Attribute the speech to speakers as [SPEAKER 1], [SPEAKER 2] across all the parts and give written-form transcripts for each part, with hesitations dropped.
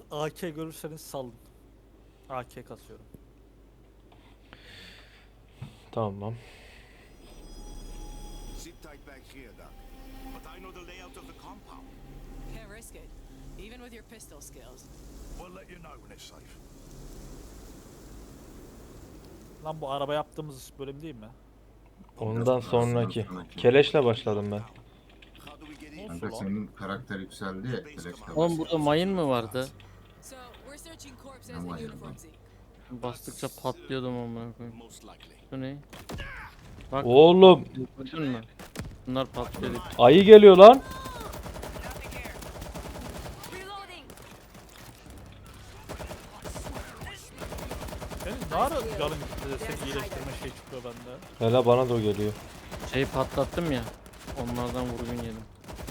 [SPEAKER 1] AK görürseniz salın. AK kasıyorum.
[SPEAKER 2] Tamam.
[SPEAKER 3] Sit tight back here, Doc. But I know the layout of the compound.
[SPEAKER 4] Can't risk it, even with your pistol skills.
[SPEAKER 3] We'll let you know when it's safe.
[SPEAKER 1] Lan bu araba yaptığımız bölüm değil mi?
[SPEAKER 2] Ondan sonraki. Keleşle başladım ben.
[SPEAKER 3] How do we get in?
[SPEAKER 5] Kanka senin karakter yükseldi ya. Keleşle
[SPEAKER 6] Oğlum burada mayın mı vardı?
[SPEAKER 4] So we're searching corpses
[SPEAKER 5] Ama
[SPEAKER 4] and
[SPEAKER 5] ya.
[SPEAKER 4] uniforms.
[SPEAKER 6] Bastıkça patlıyordum amına koyayım.
[SPEAKER 3] Most likely.
[SPEAKER 6] Bu ne? Bak
[SPEAKER 2] Oğlum
[SPEAKER 6] bütün mü? Bunlar patlıyor.
[SPEAKER 2] ayı geliyor lan.
[SPEAKER 4] Reloading.
[SPEAKER 1] Senin ne ara canın gitti de seni iyileştirme şey çıkıyor bende.
[SPEAKER 2] Hele bana da o geliyor.
[SPEAKER 6] Şeyi patlattım ya. Onlardan vurgun yedim.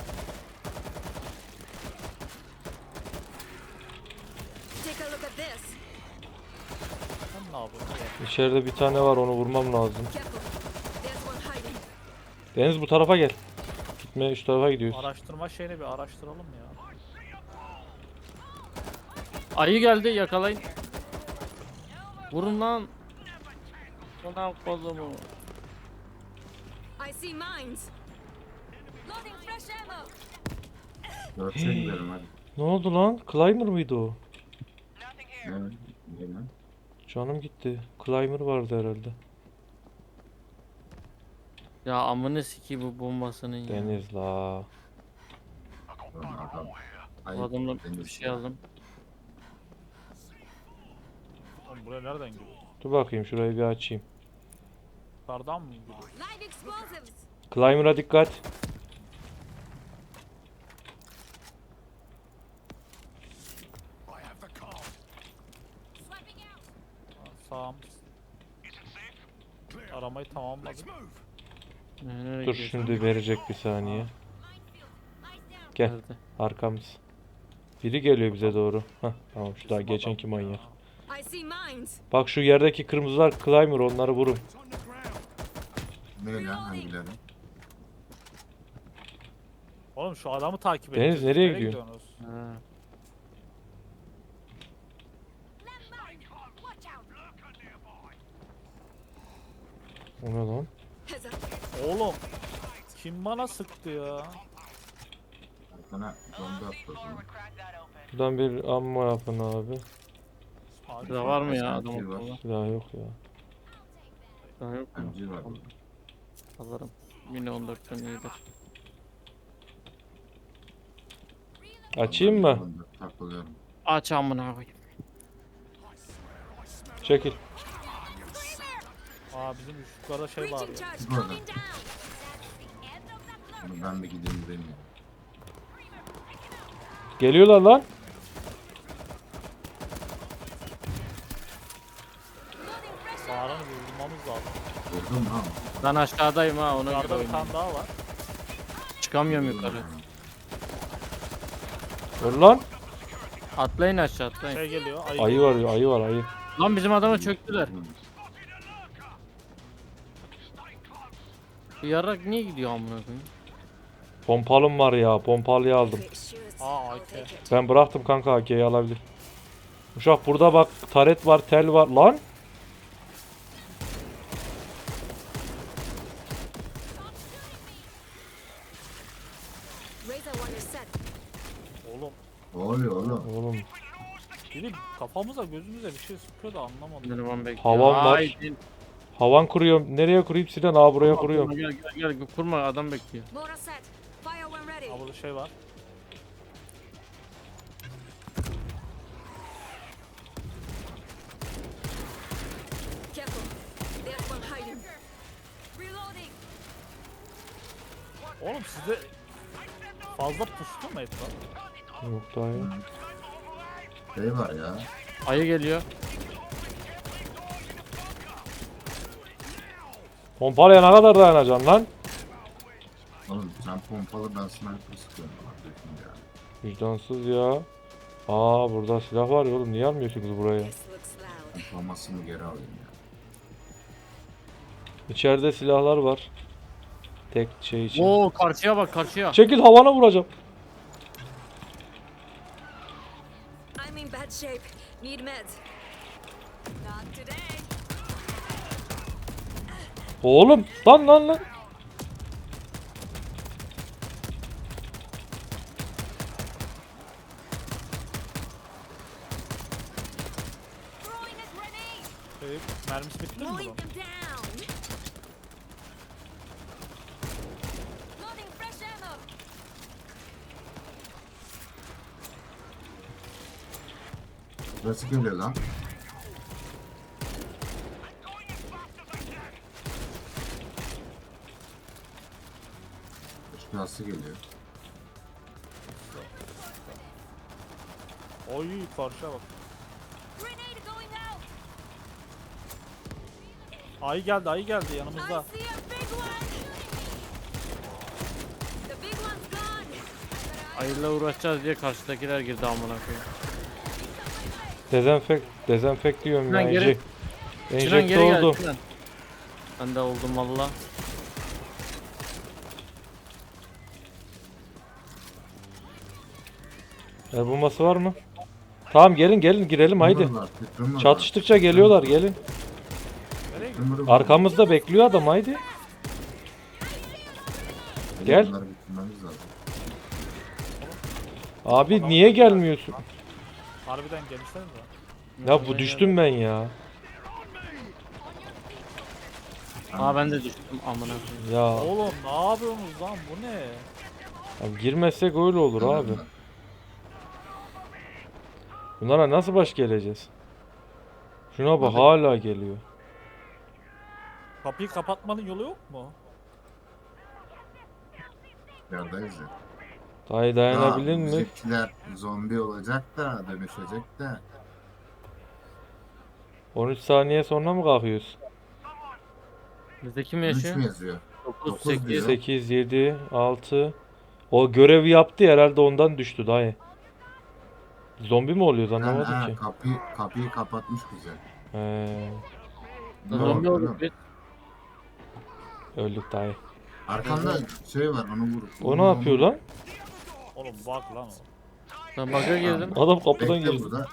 [SPEAKER 4] Take a look at this.
[SPEAKER 1] Sen ne yapıyorsun?
[SPEAKER 2] İçeride bir tane var, onu vurmam lazım.
[SPEAKER 4] Careful. There's one hiding.
[SPEAKER 2] Deniz bu tarafa gel. Gitme, şu tarafa gidiyoruz.
[SPEAKER 1] Araştırma şeyini bir araştıralım ya.
[SPEAKER 6] Ayı geldi, yakalayın. Vurun lan. Ulan kozumu.
[SPEAKER 4] I see mines. Loading fresh ammo.
[SPEAKER 5] Dörtse gidelim hadi.
[SPEAKER 2] Ne oldu lan? Climber mıydı o?
[SPEAKER 5] Evet. Gidelim.
[SPEAKER 2] Canım gitti. Climber vardı herhalde.
[SPEAKER 6] Ya amına siki bu bombasının ya.
[SPEAKER 2] Deniz la.
[SPEAKER 5] Oğlum adam.
[SPEAKER 6] Bu
[SPEAKER 5] Ayıp,
[SPEAKER 6] adamla
[SPEAKER 5] Deniz
[SPEAKER 6] bir şey
[SPEAKER 5] ya.
[SPEAKER 6] aldım.
[SPEAKER 1] Oğlum buraya nereden giriyor?
[SPEAKER 2] Dur bakayım, şurayı bir açayım.
[SPEAKER 1] Yukarıdan mı giriyor?
[SPEAKER 4] Live explosives.
[SPEAKER 2] Climber'a dikkat.
[SPEAKER 3] I have the card.
[SPEAKER 4] Swiping out.
[SPEAKER 1] Sağım.
[SPEAKER 3] Clear.
[SPEAKER 1] Aramayı
[SPEAKER 3] Let's
[SPEAKER 1] tamamladık.
[SPEAKER 3] move.
[SPEAKER 6] Nereye
[SPEAKER 2] Dur
[SPEAKER 6] gidiyorsun?
[SPEAKER 2] şimdi verecek bir saniye.
[SPEAKER 4] Minefield. Lies down.
[SPEAKER 2] Gel,
[SPEAKER 6] Nerede?
[SPEAKER 2] arkamız. Biri geliyor bize doğru. Hah, tamam, şu daha geçenki manyak.
[SPEAKER 4] I see mines.
[SPEAKER 2] Bak şu yerdeki kırmızılar Climber, onları vurun.
[SPEAKER 3] It's on the ground.
[SPEAKER 5] Ne lan hangileri?
[SPEAKER 1] Oğlum şu adamı takip
[SPEAKER 2] Deniz,
[SPEAKER 1] edeceğiz.
[SPEAKER 2] nereye gidiyorsun?
[SPEAKER 1] gidiyorsunuz?
[SPEAKER 6] Ha.
[SPEAKER 4] Watch out.
[SPEAKER 2] O ne lan?
[SPEAKER 4] Heads up.
[SPEAKER 1] Oğlum. Kim bana sıktı ya?
[SPEAKER 5] Arkana bomba attı o zaman.
[SPEAKER 2] Buradan bir ammo yapın abi.
[SPEAKER 6] Burada var mı ya
[SPEAKER 5] Sanki
[SPEAKER 6] adam
[SPEAKER 5] var.
[SPEAKER 6] akıllı?
[SPEAKER 2] Silah yok ya.
[SPEAKER 6] Daha yok mu?
[SPEAKER 5] MG var burada.
[SPEAKER 6] Alırım. Yine 14'ten iyidir.
[SPEAKER 2] Açayım mı?
[SPEAKER 5] Takılıyorum.
[SPEAKER 6] Aç amına koyayım.
[SPEAKER 2] Çekil.
[SPEAKER 1] Aa bizim yukarıda şey var
[SPEAKER 4] Breaching
[SPEAKER 1] ya.
[SPEAKER 4] charge
[SPEAKER 5] Burada.
[SPEAKER 4] coming down.
[SPEAKER 5] Bunu ben bir gideyim buraya.
[SPEAKER 2] Geliyorlar lan.
[SPEAKER 1] Bağıranı bir vurmamız lazım.
[SPEAKER 5] Vurdum ha.
[SPEAKER 6] Ben aşağıdayım ha, ona göre
[SPEAKER 1] Yukarıda bir
[SPEAKER 6] oynayayım.
[SPEAKER 1] tane daha var.
[SPEAKER 6] Çıkamıyorum yukarı.
[SPEAKER 2] Dur lan.
[SPEAKER 6] Atlayın aşağı, atlayın.
[SPEAKER 1] Şey geliyor.
[SPEAKER 2] Ayı var ya, ayı var, ayı.
[SPEAKER 6] Lan bizim adama çöktüler. Bu yarrak niye gidiyor amına koyayım?
[SPEAKER 2] Pompalım var ya, pompalıyı aldım.
[SPEAKER 4] It shoots.
[SPEAKER 1] Aa
[SPEAKER 4] I'll
[SPEAKER 1] AK.
[SPEAKER 4] take it.
[SPEAKER 2] Ben bıraktım kanka, AK'yi alabilir. Uşak burada bak, taret var, tel var lan.
[SPEAKER 4] Razor one is set.
[SPEAKER 1] Oğlum.
[SPEAKER 5] Ne oluyor oğlum?
[SPEAKER 2] Oğlum
[SPEAKER 1] Biri kafamıza gözümüze bir şey sıkıyor da anlamadım.
[SPEAKER 6] Minimum bekliyor.
[SPEAKER 2] Havan var.
[SPEAKER 6] Haydi.
[SPEAKER 2] havan kuruyorum. Nereye kurayım Sinan? Aa, buraya kuruyorum.
[SPEAKER 6] Gel gel gel, kurma, adam bekliyor.
[SPEAKER 4] Motor set. Fire when ready.
[SPEAKER 1] Aa burada şey var.
[SPEAKER 4] Careful. There's one hiding. Reloading.
[SPEAKER 1] Oğlum sizde fazla pustu mu etraf?
[SPEAKER 2] Yok daha yok.
[SPEAKER 5] Şey var ya.
[SPEAKER 6] Ayı geliyor.
[SPEAKER 2] Pompalıya ne kadar dayanacaksın lan?
[SPEAKER 5] Oğlum sen pompalı ben sniper sıkıyorum. Kardeşim ya.
[SPEAKER 2] Vicdansız ya. Aa, burada silah var ya oğlum. Niye almıyorsunuz buraya?
[SPEAKER 4] This looks loud.
[SPEAKER 5] Pompamasını geri alayım ya.
[SPEAKER 2] İçeride silahlar var. Tek şey için.
[SPEAKER 6] Oo, karşıya bak, karşıya.
[SPEAKER 2] Çekil, havana vuracağım.
[SPEAKER 4] I'm in
[SPEAKER 7] shape. Need meds.
[SPEAKER 4] Not today.
[SPEAKER 2] Oğlum lan.
[SPEAKER 7] Throwing a grenade.
[SPEAKER 1] Mermisi bitti mi bunun?
[SPEAKER 7] Mowing them down. Loading fresh ammo.
[SPEAKER 5] Nasıl geliyor lan? Nasıl geliyor?
[SPEAKER 1] Oy karşıya bak.
[SPEAKER 7] Grenade going out.
[SPEAKER 1] Ayı geldi
[SPEAKER 7] I
[SPEAKER 1] yanımızda.
[SPEAKER 7] see a big one. The big one's gone.
[SPEAKER 6] Ayıyla uğraşacağız diye karşıdakiler girdi amına koyayım.
[SPEAKER 2] Dezenfekt diyorum
[SPEAKER 6] Sinan
[SPEAKER 2] ya.
[SPEAKER 6] geri- Sinan
[SPEAKER 2] Enjekte
[SPEAKER 6] geri gel.
[SPEAKER 2] oldum.
[SPEAKER 6] Sinan. Ben de oldum valla.
[SPEAKER 2] El bombası var mı? Tamam gelin girelim haydi.
[SPEAKER 5] Tümür var.
[SPEAKER 2] Çatıştıkça geliyorlar gelin.
[SPEAKER 1] Nereye gidiyor?
[SPEAKER 5] Tümür var.
[SPEAKER 2] Arkamızda bekliyor adam haydi. Gel.
[SPEAKER 5] Bunları bitirmemiz lazım.
[SPEAKER 2] Abi niye gelmiyorsun?
[SPEAKER 1] Harbiden gelmişseniz de.
[SPEAKER 2] Ya bu düştüm ben ya.
[SPEAKER 6] Aa ben de düştüm amına koyayım.
[SPEAKER 2] Ya,
[SPEAKER 1] Oğlum ne yapıyorsunuz lan bu ne?
[SPEAKER 2] ya girmezsek öyle olur abi. Bunlara nasıl baş geleceğiz? Şuna bak hala geliyor.
[SPEAKER 1] Kapıyı kapatmanın yolu yok mu?
[SPEAKER 5] Yerdayız ya.
[SPEAKER 2] Dayı dayanabilir mi?
[SPEAKER 5] Bizimkiler zombi olacak da dönüşecek de.
[SPEAKER 2] 13 saniye sonra mı kalkıyoruz?
[SPEAKER 6] Bizde kim
[SPEAKER 5] 3
[SPEAKER 6] yaşıyor?
[SPEAKER 5] mü yazıyor?
[SPEAKER 6] 9,
[SPEAKER 5] Dokuz
[SPEAKER 6] 8.
[SPEAKER 5] diyor.
[SPEAKER 2] 8, 7, 6. O görevi yaptı herhalde ondan düştü dayı. Zombi mi oluyoruz anlamadım ki.
[SPEAKER 5] Kapıyı kapatmış bize.
[SPEAKER 6] Zombi
[SPEAKER 5] Ne
[SPEAKER 6] olduk
[SPEAKER 5] oldu?
[SPEAKER 6] biz.
[SPEAKER 2] Öldük dayı.
[SPEAKER 5] Arkanda şey var onu vur.
[SPEAKER 2] O ne yapıyor lan?
[SPEAKER 1] Oğlum bak lan o.
[SPEAKER 6] Ben bug'a girdim.
[SPEAKER 2] Adam kapıdan
[SPEAKER 5] Bekle
[SPEAKER 2] girdi.
[SPEAKER 5] burada.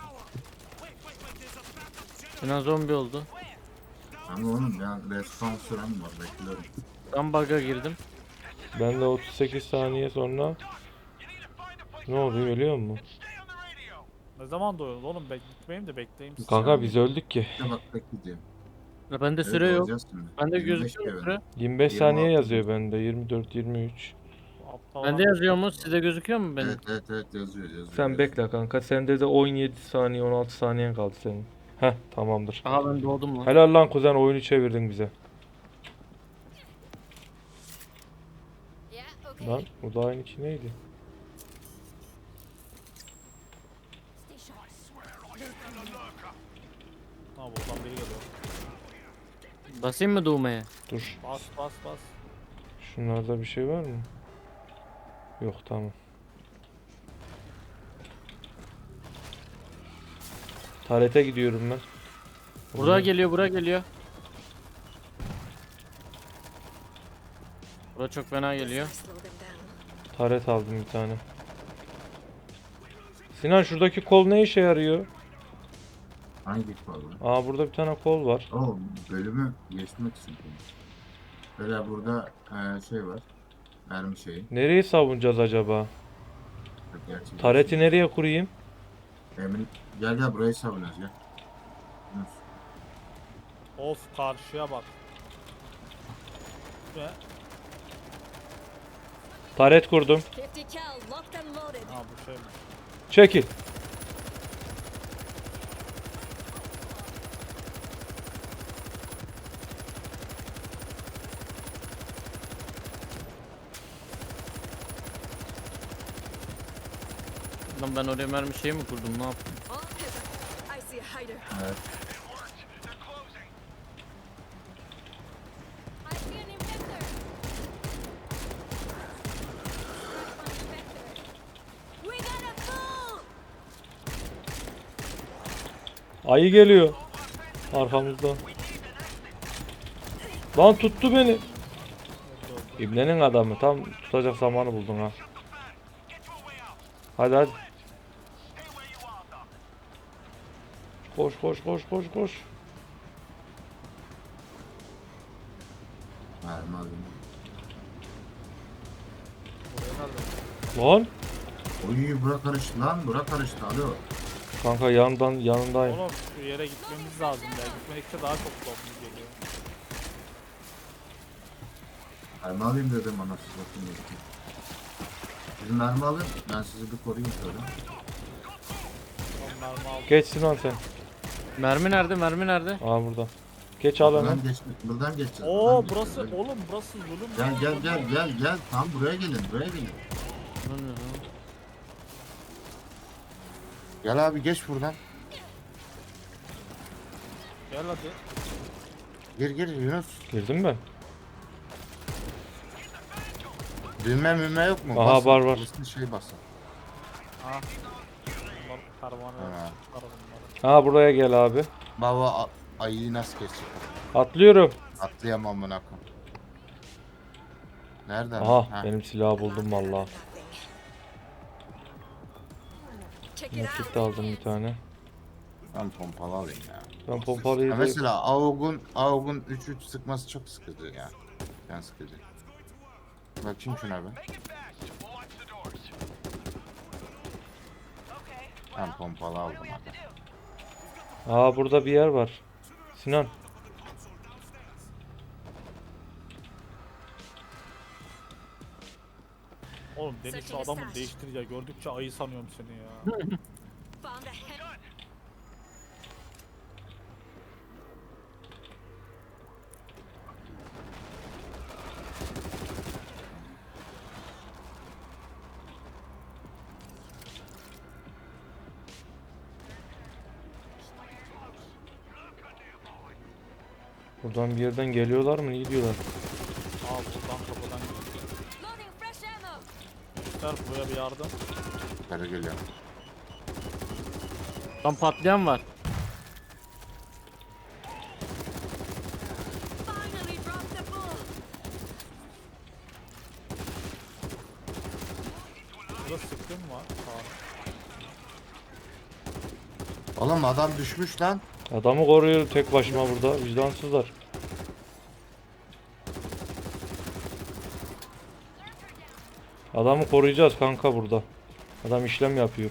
[SPEAKER 6] Sinan zombi oldu.
[SPEAKER 5] Ama oğlum ya respawn süren var bekliyorum.
[SPEAKER 6] Ben bug'a girdim.
[SPEAKER 2] Ben de 38 saniye sonra ne oluyor ölüyor mu?
[SPEAKER 1] Ne zaman doyuyoruz oğlum? Gitmeyeyim de bekleyeyim sizi.
[SPEAKER 2] Kanka biz öldük ki.
[SPEAKER 5] İşte bak bekleyeceğim.
[SPEAKER 6] Ya bende
[SPEAKER 5] Evet,
[SPEAKER 6] süre yok.
[SPEAKER 5] olacağız şimdi.
[SPEAKER 6] Bende
[SPEAKER 5] 25
[SPEAKER 6] gözüküyor mu
[SPEAKER 5] kere.
[SPEAKER 6] süre?
[SPEAKER 2] 25
[SPEAKER 5] 26
[SPEAKER 2] saniye yazıyor bende. 24, 23.
[SPEAKER 1] Aptal
[SPEAKER 6] Bende
[SPEAKER 1] adam.
[SPEAKER 6] yazıyor mu? Sizde gözüküyor mu benim?
[SPEAKER 5] Evet yazıyor.
[SPEAKER 2] Sen bekle kanka. Sende de 17 saniye 16 saniyen kaldı senin. Heh tamamdır.
[SPEAKER 6] Aha ben doğdum lan.
[SPEAKER 2] Helal lan kuzen oyunu çevirdin bize.
[SPEAKER 7] Yeah, okay.
[SPEAKER 2] Lan bu da aynı ki neydi?
[SPEAKER 7] Stay sharp.
[SPEAKER 1] Ha buradan biri geliyor.
[SPEAKER 6] Basayım mı doğmaya?
[SPEAKER 2] Dur.
[SPEAKER 1] Bas bas bas.
[SPEAKER 2] Şunlarda bir şey var mı? Yok tamam. Tarete gidiyorum ben.
[SPEAKER 6] Buraya geliyor, buraya geliyor. Bura çok fena geliyor.
[SPEAKER 7] Slow them down.
[SPEAKER 2] Taret aldım bir tane. Sinan şuradaki kol ne işe yarıyor?
[SPEAKER 5] Hangi kolu?
[SPEAKER 2] Aa burada bir tane kol var.
[SPEAKER 5] O bölümü geçmek için. Böyle burada şey var. Mermi şeyi.
[SPEAKER 2] Nereyi savunacağız acaba?
[SPEAKER 5] Gerçi
[SPEAKER 2] Tareti nereye kurayım?
[SPEAKER 5] Emin gel burayı savunuyoruz gel. Yunus.
[SPEAKER 1] Of karşıya bak. Ve
[SPEAKER 2] Taret kurdum.
[SPEAKER 7] 50 cal, locked and loaded.
[SPEAKER 1] ha bu şey mi?
[SPEAKER 2] Çekil.
[SPEAKER 6] Lan ben oraya mermi şey mi kurdum, ne yaptım?
[SPEAKER 7] Oh, I see a hider.
[SPEAKER 5] Evet.
[SPEAKER 7] I see an infector. We gotta move.
[SPEAKER 2] Ayı geliyor. Arkamızdan. Lan tuttu beni. İbnenin adamı. Tam tutacak zamanı buldun ha. Hadi hadi. Koş koş koş koş koş.
[SPEAKER 5] Mermi alayım.
[SPEAKER 1] Buraya nerede?
[SPEAKER 2] Lan.
[SPEAKER 5] Oy bura karıştı lan. Bura karıştı. Alo.
[SPEAKER 2] Kanka yanındayım.
[SPEAKER 1] Oğlum şu yere gitmemiz lazım ya. Gitmedikçe daha çok zombi geliyor.
[SPEAKER 5] Mermi alayım dedim anasını satayım. Sizin mermi alın. Ben sizi bir koruyayım şöyle.
[SPEAKER 1] Tamam mermi aldım.
[SPEAKER 2] Geç Sinan sen.
[SPEAKER 6] Mermi nerede? Mermi nerede?
[SPEAKER 2] Aa burada. Geç al hemen.
[SPEAKER 5] Buradan geçeceğiz.
[SPEAKER 1] Oo
[SPEAKER 5] buradan
[SPEAKER 1] burası
[SPEAKER 5] geçeceğiz.
[SPEAKER 1] oğlum burası zulüm.
[SPEAKER 5] Gel. Tam buraya gelin. Buraya gelin.
[SPEAKER 6] Lan ne lan?
[SPEAKER 8] Gel abi geç buradan.
[SPEAKER 1] Gel hadi.
[SPEAKER 8] Gir Yunus.
[SPEAKER 2] Girdim ben.
[SPEAKER 8] Düğme yok mu?
[SPEAKER 2] Aha,
[SPEAKER 8] Basın,
[SPEAKER 2] var.
[SPEAKER 8] basın, şey basın.
[SPEAKER 1] Ha. Bunlar pervane
[SPEAKER 8] Ha.
[SPEAKER 1] çıkar bunları.
[SPEAKER 2] Ha buraya gel abi.
[SPEAKER 8] Baba ayıyı nasıl geçecek?
[SPEAKER 2] Atlıyorum.
[SPEAKER 8] Atlayamam buna koyayım. Nereden?
[SPEAKER 2] Aha
[SPEAKER 8] Ha.
[SPEAKER 2] benim silahı buldum valla.
[SPEAKER 7] Check it
[SPEAKER 2] Nakit
[SPEAKER 7] out.
[SPEAKER 2] de aldım bir tane.
[SPEAKER 8] Ben pompalı alayım ya.
[SPEAKER 2] Ben pompalıyı
[SPEAKER 8] Ya
[SPEAKER 2] da...
[SPEAKER 8] mesela AUG'un 3-3 sıkması çok sıkıcı ya. Ben sıkıcı. Bakayım şuna be. Ben pompalı aldım hadi.
[SPEAKER 2] Aa burada bir yer var. Sinan.
[SPEAKER 1] Oğlum Deniz şu adamı değiştir ya. Gördükçe ayı sanıyorum seni ya.
[SPEAKER 7] Found a head.
[SPEAKER 2] Buradan bir yerden geliyorlar mı? İyi diyorlar.
[SPEAKER 1] Aa buradan kapıdan gidiyor.
[SPEAKER 7] Loading fresh ammo.
[SPEAKER 1] Gençler buraya bir yardım.
[SPEAKER 8] Yukarı geliyor.
[SPEAKER 6] Lan patlayan var.
[SPEAKER 7] Finally dropped the bull.
[SPEAKER 1] Burada sıkkın var. Sağ.
[SPEAKER 8] Oğlum adam düşmüş lan.
[SPEAKER 2] Adamı koruyorum tek başıma burada. Vicdansızlar. Adamı koruyacağız kanka burada. Adam işlem yapıyor.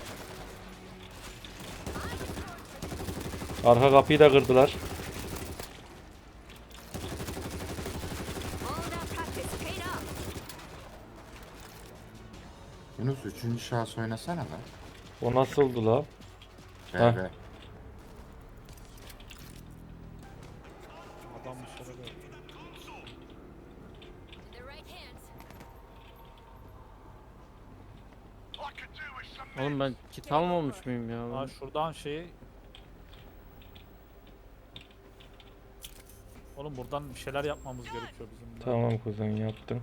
[SPEAKER 2] Arka kapıyı da kırdılar.
[SPEAKER 7] All that practice paid off.
[SPEAKER 8] Yunus 3. şahıs oynasana lan.
[SPEAKER 2] O nasıldı la? Heh.
[SPEAKER 8] Be.
[SPEAKER 1] Adam dışarı böyle.
[SPEAKER 7] The right hands.
[SPEAKER 6] Oğlum ben kit almamış mıyım ya?
[SPEAKER 1] Ha şuradan şeyi. Oğlum buradan bir şeyler yapmamız gerekiyor bizim de.
[SPEAKER 2] Tamam kuzen yaptım.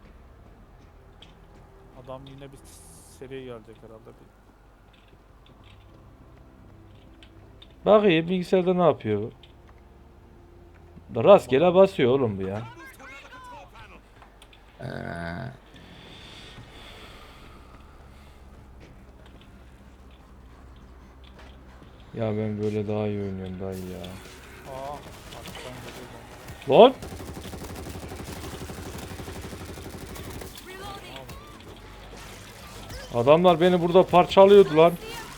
[SPEAKER 1] Adam yine bir seri gelecek herhalde.
[SPEAKER 2] Bakayım bilgisayarda ne yapıyor bu? Da rastgele basıyor oğlum bu ya. Ya ben böyle daha iyi oynuyorum daha iyi ya.
[SPEAKER 1] Aa arkadan geliyor.
[SPEAKER 2] Lan!
[SPEAKER 7] Reloading.
[SPEAKER 2] Adamlar beni burada parçalıyordu lan.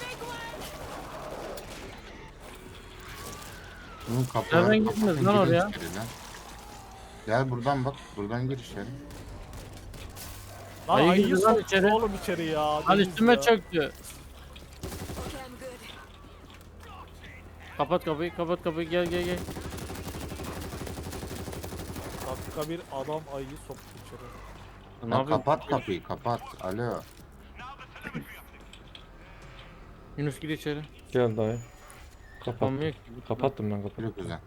[SPEAKER 8] Bunun kapıları
[SPEAKER 6] Nereden gittiniz lan oraya?
[SPEAKER 8] Gel buradan bak. Buradan gir içeri.
[SPEAKER 1] Lan
[SPEAKER 6] Ayı
[SPEAKER 1] ayıyı
[SPEAKER 6] girdi lan
[SPEAKER 1] soktu
[SPEAKER 6] içeri.
[SPEAKER 1] oğlum içeri ya.
[SPEAKER 6] Lan
[SPEAKER 1] Deniz
[SPEAKER 6] üstüme
[SPEAKER 1] ya.
[SPEAKER 6] çöktü.
[SPEAKER 7] Okay, I'm good.
[SPEAKER 6] Kapat kapıyı gel.
[SPEAKER 1] Dakika bir adam ayıyı soktu içeri.
[SPEAKER 6] Ne
[SPEAKER 8] Ya
[SPEAKER 6] yapıyorsun?
[SPEAKER 8] kapat kapıyı kapat. Alo.
[SPEAKER 6] Yunus gir içeri.
[SPEAKER 2] Gel dayı. Kapat.
[SPEAKER 6] Kapanmıyor ki.
[SPEAKER 2] Kapattım ben kapıyı.
[SPEAKER 8] Yürü kuzen.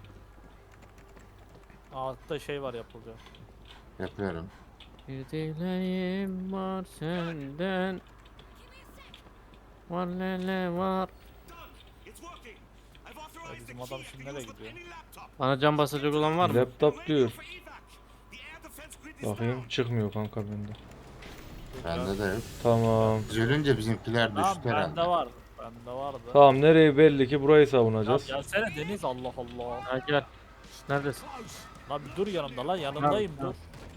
[SPEAKER 1] Altta şey var yapılacak.
[SPEAKER 8] Yapıyorum.
[SPEAKER 6] Bir dileğim var senden. Var lele var.
[SPEAKER 3] It's working. I've
[SPEAKER 1] Ya
[SPEAKER 3] authorized the
[SPEAKER 1] bizim adam
[SPEAKER 3] key
[SPEAKER 1] şimdi
[SPEAKER 3] to
[SPEAKER 1] nereye
[SPEAKER 3] use the
[SPEAKER 1] gidiyor?
[SPEAKER 3] penny laptop.
[SPEAKER 6] Bana can basacak olan var mı?
[SPEAKER 2] Laptop diyor.
[SPEAKER 3] For evac. The air defense grid is
[SPEAKER 2] Bakayım
[SPEAKER 3] down.
[SPEAKER 2] çıkmıyor kanka bende.
[SPEAKER 8] Bende de yok.
[SPEAKER 2] Tamam.
[SPEAKER 8] Biz ölünce bizimkiler
[SPEAKER 1] Lan
[SPEAKER 8] düştü herhalde.
[SPEAKER 1] bende var. Bende vardı.
[SPEAKER 2] Tamam nereye belli ki burayı
[SPEAKER 1] Ya
[SPEAKER 2] savunacağız.
[SPEAKER 1] gelsene Deniz, Allah Allah.
[SPEAKER 6] Ha gel. Neredesin?
[SPEAKER 1] Lan bir dur yanımda lan, yanındayım
[SPEAKER 6] Tamam,
[SPEAKER 1] dur.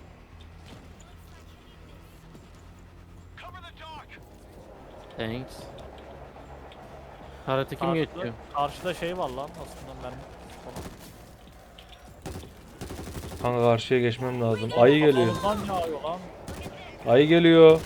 [SPEAKER 6] Thanks. Karate kim
[SPEAKER 1] Karşıda-
[SPEAKER 6] geçiyor?
[SPEAKER 1] Karşıda şey var lan aslında, mermi falan.
[SPEAKER 2] Kanka karşıya geçmem lazım. Ayı geliyor.
[SPEAKER 1] Kafamızdan yağıyor lan.
[SPEAKER 2] Ayı geliyor.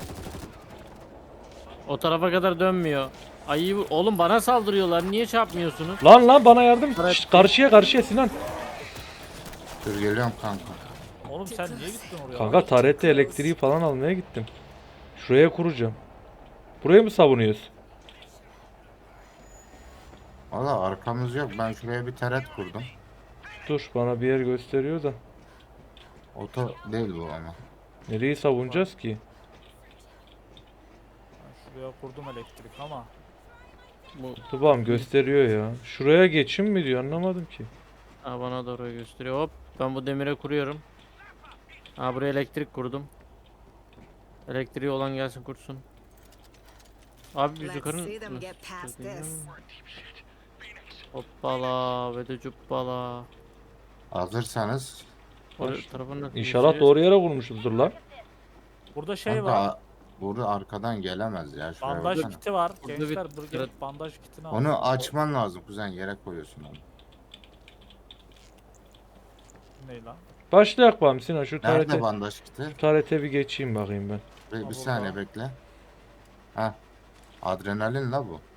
[SPEAKER 6] O tarafa kadar dönmüyor. Ayı oğlum bana saldırıyorlar. Niye çarpmıyorsunuz?
[SPEAKER 2] Lan bana yardım.
[SPEAKER 6] Evet.
[SPEAKER 2] Şşt, karşıya Sinan.
[SPEAKER 8] Dur geliyorum kanka.
[SPEAKER 1] Oğlum sen niye gittin oraya?
[SPEAKER 2] Kanka tarette elektriği falan almaya gittim. Şuraya kuracağım. Burayı mı savunuyoruz?
[SPEAKER 8] Valla arkamız yok. Ben şuraya bir taret kurdum.
[SPEAKER 2] Dur bana bir yer gösteriyor da.
[SPEAKER 8] Oto değil bu ama.
[SPEAKER 2] Nereyi savunacağız ki?
[SPEAKER 1] Ben şuraya kurdum elektrik ama.
[SPEAKER 6] Bu
[SPEAKER 2] Tamam gösteriyor ya. Şuraya geçin mi diyor, anlamadım ki.
[SPEAKER 6] ha, bana doğru gösteriyor. Hop ben bu demire kuruyorum. Ha buraya elektrik kurdum. Elektriği olan gelsin kursun. Abi biz
[SPEAKER 9] Let's
[SPEAKER 6] yukarı
[SPEAKER 9] see them get past
[SPEAKER 6] nasıl
[SPEAKER 9] this.
[SPEAKER 6] Hoppala ve de cuppala.
[SPEAKER 8] Hazırsanız.
[SPEAKER 6] Oraya tarafa nasıl
[SPEAKER 2] İnşallah
[SPEAKER 6] geçeceğiz?
[SPEAKER 2] doğru yere kurmuşuzdur lan.
[SPEAKER 1] Burada şey
[SPEAKER 8] Kanka,
[SPEAKER 1] var.
[SPEAKER 8] burada arkadan gelemez ya. Şuraya
[SPEAKER 1] Bandaj
[SPEAKER 8] baksana.
[SPEAKER 1] kiti var.
[SPEAKER 6] Burada
[SPEAKER 1] Gençler
[SPEAKER 6] bir-
[SPEAKER 1] dur gel, bandaj kitini al.
[SPEAKER 8] Onu açman lazım kuzen, yere koyuyorsun onu.
[SPEAKER 1] Ne lan?
[SPEAKER 2] Başlayak bakalım Sinan, şu
[SPEAKER 8] Nerede
[SPEAKER 2] tarete.
[SPEAKER 8] bandaj kiti?
[SPEAKER 2] Tarete bir geçeyim bakayım ben.
[SPEAKER 8] Bir
[SPEAKER 1] burada.
[SPEAKER 8] saniye bekle. Ha. Adrenalin la bu.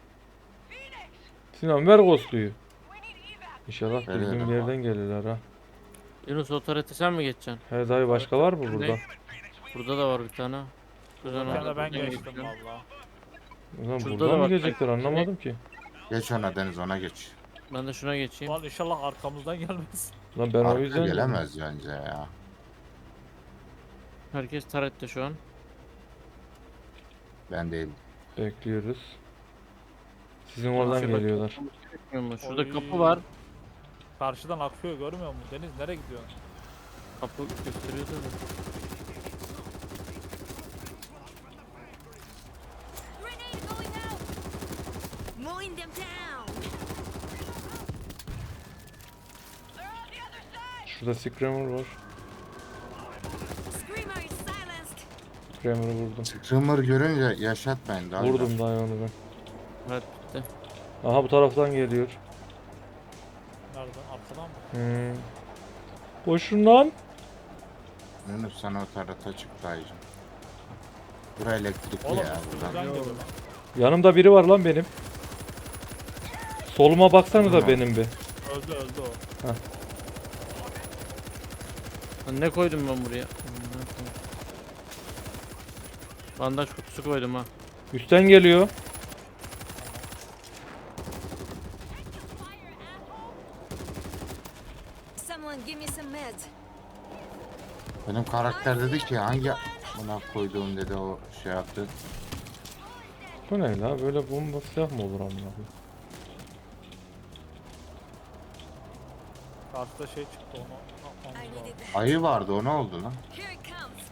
[SPEAKER 2] Sinan ver Ghost'luyu. İnşallah
[SPEAKER 8] Veriyorum.
[SPEAKER 2] bildiğim bir yerden gelirler ha.
[SPEAKER 6] Yunus o tarete sen mi geçeceksin?
[SPEAKER 2] He dayı başka var mı burada?
[SPEAKER 6] Burada da var bir tane. Güzel
[SPEAKER 1] Bir tane ben
[SPEAKER 6] oradan
[SPEAKER 1] geçtim
[SPEAKER 6] geçiyorum.
[SPEAKER 1] valla.
[SPEAKER 2] Ulan
[SPEAKER 6] Şurada
[SPEAKER 2] buradan
[SPEAKER 6] da
[SPEAKER 2] mı
[SPEAKER 6] var
[SPEAKER 2] gelecekler
[SPEAKER 6] sanki.
[SPEAKER 2] anlamadım ki.
[SPEAKER 8] Geç ona Deniz, ona geç.
[SPEAKER 6] Ben de şuna geçeyim.
[SPEAKER 1] Lan inşallah arkamızdan gelmez.
[SPEAKER 2] Lan ben o
[SPEAKER 8] Arka
[SPEAKER 2] yüzden
[SPEAKER 8] gelemez bence ya.
[SPEAKER 6] Herkes tarette şu an.
[SPEAKER 8] Ben değil.
[SPEAKER 2] bekliyoruz. Sizin oradan
[SPEAKER 6] Şurada-
[SPEAKER 2] geliyorlar.
[SPEAKER 6] Bilmiyorum, şurada
[SPEAKER 1] Oy.
[SPEAKER 6] kapı var.
[SPEAKER 1] Karşıdan akıyor, görmüyor musun? Deniz nereye gidiyorsun?
[SPEAKER 6] Kapı gösteriyor da.
[SPEAKER 7] Grenade going out. Mowing them down.
[SPEAKER 2] Şurada Screamer var.
[SPEAKER 7] Screamer is silenced.
[SPEAKER 2] Screamer'ı vurdum.
[SPEAKER 8] Screamer görünce yaşatmayın daha.
[SPEAKER 2] Vurdum dayı onu ben.
[SPEAKER 6] Evet bitti.
[SPEAKER 2] Aha bu taraftan geliyor.
[SPEAKER 1] Nereden? Arkadan mı?
[SPEAKER 2] Koşun lan.
[SPEAKER 8] Yunus sana o tarata çık dayıcım. Bura elektrikli
[SPEAKER 1] Oğlum
[SPEAKER 8] ya
[SPEAKER 1] üstümüzden
[SPEAKER 8] buradan.
[SPEAKER 1] geliyor lan.
[SPEAKER 2] Yanımda biri var lan benim. Soluma baksanıza
[SPEAKER 8] Tamam.
[SPEAKER 2] benim bir.
[SPEAKER 1] Öldü öldü o.
[SPEAKER 6] Lan ne koydum ben buraya? Bandaj kutusu koydum ha.
[SPEAKER 2] Üstten geliyor.
[SPEAKER 7] Someone give me some meds.
[SPEAKER 8] Benim karakter dedi ki hangi buna koyduğum dedi, o şey yaptı.
[SPEAKER 2] Bu ne la? Böyle bomba silah mı olur amına koyayım?
[SPEAKER 1] Karşıda şey çıktı, onu atmamız
[SPEAKER 7] I
[SPEAKER 1] lazım.
[SPEAKER 7] needed that.
[SPEAKER 8] Ayı vardı, o ne oldu lan?
[SPEAKER 7] Here it comes.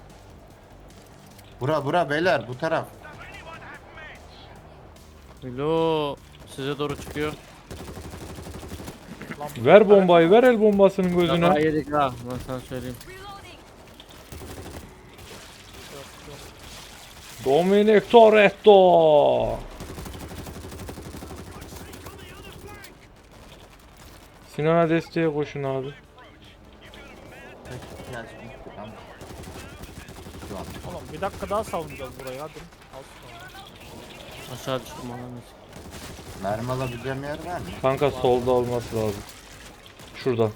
[SPEAKER 8] Bura beyler, bu taraf.
[SPEAKER 6] Bilo size doğru çıkıyor.
[SPEAKER 1] Lan bu
[SPEAKER 2] Ver
[SPEAKER 1] sefer-
[SPEAKER 2] bombayı, ver el bombasının
[SPEAKER 6] Daha
[SPEAKER 2] gözüne.
[SPEAKER 6] yedik ha. Ben sana söyleyeyim.
[SPEAKER 7] Reloading.
[SPEAKER 1] Yok, yok.
[SPEAKER 2] Dominic Toretto. Sinan'a desteğe koşun abi.
[SPEAKER 1] Oğlum bir dakika daha savunacağız burayı, hadi. Al şunu.
[SPEAKER 6] Aşağı düştüm ananı.
[SPEAKER 8] Mermi alabileceğim yer var mı?
[SPEAKER 2] Kanka solda olması lazım. Şurada.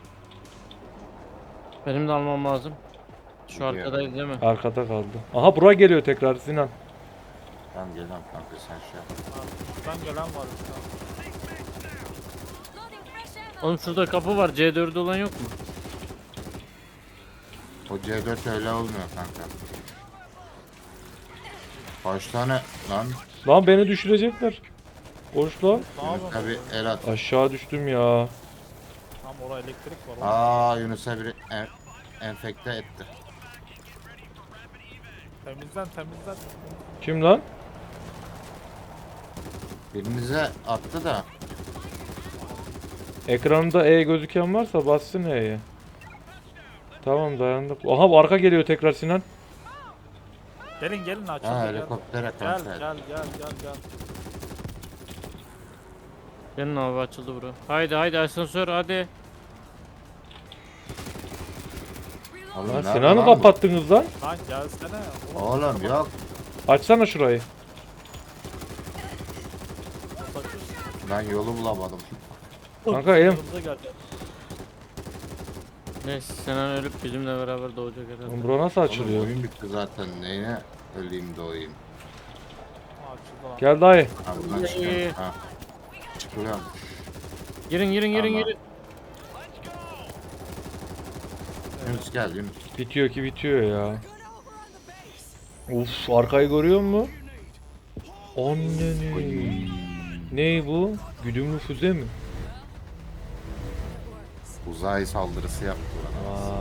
[SPEAKER 6] Benim de almam lazım. Şu
[SPEAKER 8] Gidiyorum.
[SPEAKER 6] arkadayız değil mi?
[SPEAKER 2] Arkada kaldı. Aha bura geliyor tekrar Sinan.
[SPEAKER 8] Tamam geliyorum kanka, sen şey yap.
[SPEAKER 1] Ha, üstten gelen var üstten.
[SPEAKER 7] Loading fresh ammo.
[SPEAKER 6] Oğlum şurada kapı var. C4'ü olan yok mu?
[SPEAKER 8] O C4 öyle olmuyor kanka. Kaç tane lan?
[SPEAKER 2] Lan beni düşürecekler. Koş lan.
[SPEAKER 1] Ne yapalım?
[SPEAKER 8] Tabi el at.
[SPEAKER 2] Aşağı düştüm ya.
[SPEAKER 1] Tam oraya elektrik var. oğlum.
[SPEAKER 8] Aa, Yunus'a biri enfekte etti.
[SPEAKER 1] Temizlen temizlen.
[SPEAKER 2] Kim lan?
[SPEAKER 8] Birimize attı da.
[SPEAKER 2] Ekranında E gözüken varsa bassın E'ye. Tamam dayandık. Aha arka geliyor tekrar Sinan.
[SPEAKER 1] Gelin gelin açıldı
[SPEAKER 8] Ha
[SPEAKER 1] gel.
[SPEAKER 8] helikoptere
[SPEAKER 1] Gel
[SPEAKER 8] kanka.
[SPEAKER 1] gel gel gel gel.
[SPEAKER 6] Gelin abi açıldı bura. Haydi haydi asansör hadi.
[SPEAKER 8] Oğlum,
[SPEAKER 2] Lan
[SPEAKER 8] nerede
[SPEAKER 2] Sinan'ı
[SPEAKER 8] lan bu?
[SPEAKER 2] kapattınız lan.
[SPEAKER 1] Lan gelsene.
[SPEAKER 8] Oğlum yok.
[SPEAKER 2] Açsana şurayı.
[SPEAKER 8] Ben yolu bulamadım.
[SPEAKER 2] Kanka elim.
[SPEAKER 1] Yanımıza geldi.
[SPEAKER 6] Neyse Sinan ölüp bizimle beraber doğacak herhalde.
[SPEAKER 2] Lan bura nasıl
[SPEAKER 8] Oğlum
[SPEAKER 2] açılıyor?
[SPEAKER 8] oyun bitti zaten. Neyine öleyim doğayım.
[SPEAKER 1] Ha, açıldı lan.
[SPEAKER 2] Gel dayı.
[SPEAKER 8] Ha buradan çıkıyorum. Ha. Çıkıyorum.
[SPEAKER 6] Girin girin girin
[SPEAKER 8] Allah.
[SPEAKER 6] girin.
[SPEAKER 8] Yunus gel Yunus.
[SPEAKER 2] Bitiyor ki bitiyor ya. Uf arkayı görüyor musun? Anneni. Ney bu? Güdümlü füze mi?
[SPEAKER 8] Uzay saldırısı yaptı bana.
[SPEAKER 2] Aa.